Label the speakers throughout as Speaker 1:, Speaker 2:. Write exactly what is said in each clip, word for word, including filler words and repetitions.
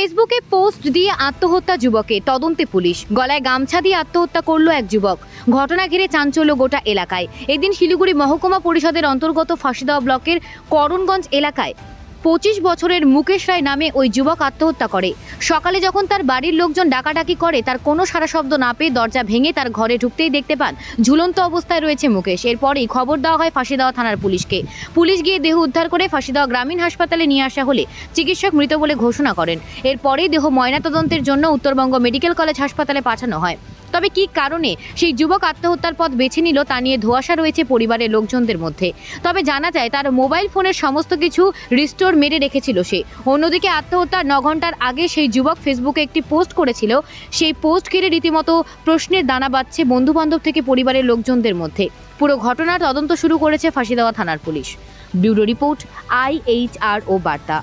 Speaker 1: ফেসবুকে পোস্ট দিয়ে আত্মহত্যা যুবকের, তদন্তে পুলিশ। গলায় গামছা দিয়ে আত্মহত্যা করল এক যুবক। ঘটনা ঘিরে চাঞ্চল্য গোটা এলাকায়। এদিন শিলিগুড়ি মহকুমা পরিষদের অন্তর্গত ফাঁসিদেওয়া ব্লকের করণগঞ্জ এলাকায় পঁচিশ বছরের মুকেশ রায় নামে ওই যুবক আত্মহত্যা করে। সকালে যখন তার বাড়ির লোকজন ডাকাডাকি করে, তার কোনো সাড়া শব্দ না পেয়ে দরজা ভেঙে তার ঘরে ঢুকতেই দেখতে পান ঝুলন্ত অবস্থায় রয়েছে মুকেশ। এরপরেই খবর দেওয়া হয় ফাঁসিদেওয়া থানার পুলিশকে। পুলিশ গিয়ে দেহ উদ্ধার করে ফাঁসিদেওয়া গ্রামীণ হাসপাতালে নিয়ে আসা হলে চিকিৎসক মৃত বলে ঘোষণা করেন। এরপরেই দেহ ময়নাতদন্তের জন্য উত্তরবঙ্গ মেডিকেল কলেজ হাসপাতালে পাঠানো হয়। তবে কী কারণে সেই যুবক আত্মহত্যার পথ বেছে নিল তা নিয়ে ধোঁয়াশা রয়েছে পরিবারের লোকজনদের মধ্যে। তবে জানা যায় তার মোবাইল ফোনের সমস্ত কিছু রিস্টোর মেরে রেখেছিল সে। অন্যদিকে আত্মহত্যার ন ঘন্টার আগে সেই যুবক ফেসবুকে একটি পোস্ট করেছিল। সেই পোস্ট ঘিরে রীতিমতো প্রশ্নের দানা বাঁধছে বন্ধুবান্ধব থেকে পরিবারের লোকজনদের মধ্যে। পুরো ঘটনার তদন্ত শুরু করেছে ফাঁসিদেওয়া থানার পুলিশ। Bureau report, I H R O বার্তা।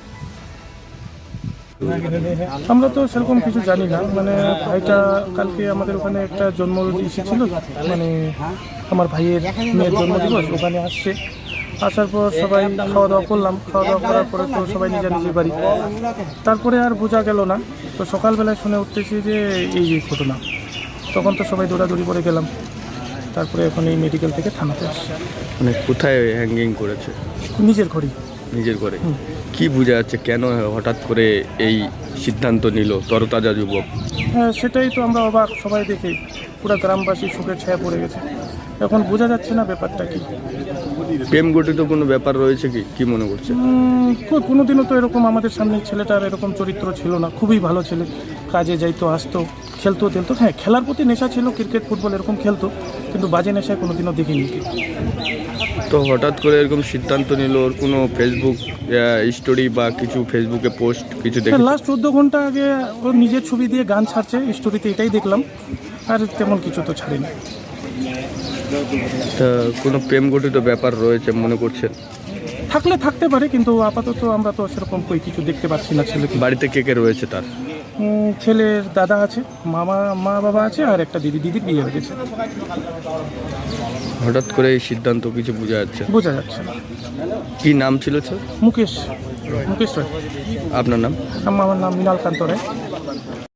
Speaker 2: আমরা তো সেরকম কিছু জানি না, মানে ভাইটা কালকে আমাদের ওখানে একটা জন্মদিন এসেছিল, মানে আমার ভাইয়ের মেয়ের জন্মদিবস, ওখানে আসছে। আসার পর সবাই খাওয়া দাওয়া করলাম, খাওয়া দাওয়া করার পরে তো সবাই নিজের নিজের বাড়ি। তারপরে আর বোঝা গেল না, তো সকালবেলায় শুনে উঠতেছি যে এই এই ঘটনা। তখন তো সবাই দৌড়াদৌড়ি করে গেলাম, তারপরে এখন এই মেডিকেল থেকে থানাতে আসছে।
Speaker 3: মানে কোথায় হ্যাঙ্গিং করেছে?
Speaker 2: নিজের ঘরেই।
Speaker 3: নিজের ঘরে? কি বোঝা যাচ্ছে কেন হঠাৎ করে এই সিদ্ধান্ত নিল তরতাজা যুবক?
Speaker 2: হ্যাঁ, সেটাই তো আমরা অবাক সবাই দেখে, পুরো গ্রামবাসী শোকের ছায়া পড়ে গেছে। এখন বোঝা যাচ্ছে না ব্যাপারটা কি।
Speaker 3: প্রেম গঠিত কোনো ব্যাপার রয়েছে কি কি মনে করছে?
Speaker 2: কোনোদিনও তো এরকম আমাদের সামনে ছেলেটার এরকম চরিত্র ছিল না, খুবই ভালো ছেলে, কাজে যাইতো, আসতো, খেলতো তেলতো। হ্যাঁ, খেলার প্রতি নেশা ছিল, ক্রিকেট ফুটবল এরকম খেলতো, কিন্তু বাজে নেশায় কোনোদিনও দেখিনি।
Speaker 3: তো হঠাৎ করে এরকম সিদ্ধান্ত নিল, ওর কোনো ফেসবুক স্টোরি বা কিছু ফেসবুকে পোস্ট কিছু দেখে?
Speaker 2: লাস্ট চোদ্দো ঘন্টা আগে ওর নিজের ছবি দিয়ে গান ছাড়ছে স্টোরিতে, এটাই দেখলাম, আর তেমন কিছু তো ছাড়েনি।
Speaker 3: তা কোনো প্রেম গঠিত ব্যাপার রয়েছে মনে করছেন?
Speaker 2: থাকলে থাকতে পারে, কিন্তু আপাতত আমরা তো সেরকম কই কিছু দেখতে পাচ্ছি না। ছেলে
Speaker 3: বাড়িতে কে কে রয়েছে তার?
Speaker 2: ছেলের দাদা আছে, মামা মা বাবা আছে, আর একটা দিদি দিদির বিয়ে হয়ে গেছে।
Speaker 3: হঠাৎ করে এই সিদ্ধান্ত কিছু বোঝা যাচ্ছে
Speaker 2: বোঝা যাচ্ছে না।
Speaker 3: কি নাম ছিল স্যার?
Speaker 2: মুকেশ মুকেশ রায়।
Speaker 3: আপনার নাম?
Speaker 2: আমার নাম মৃণালকান্ত রায়।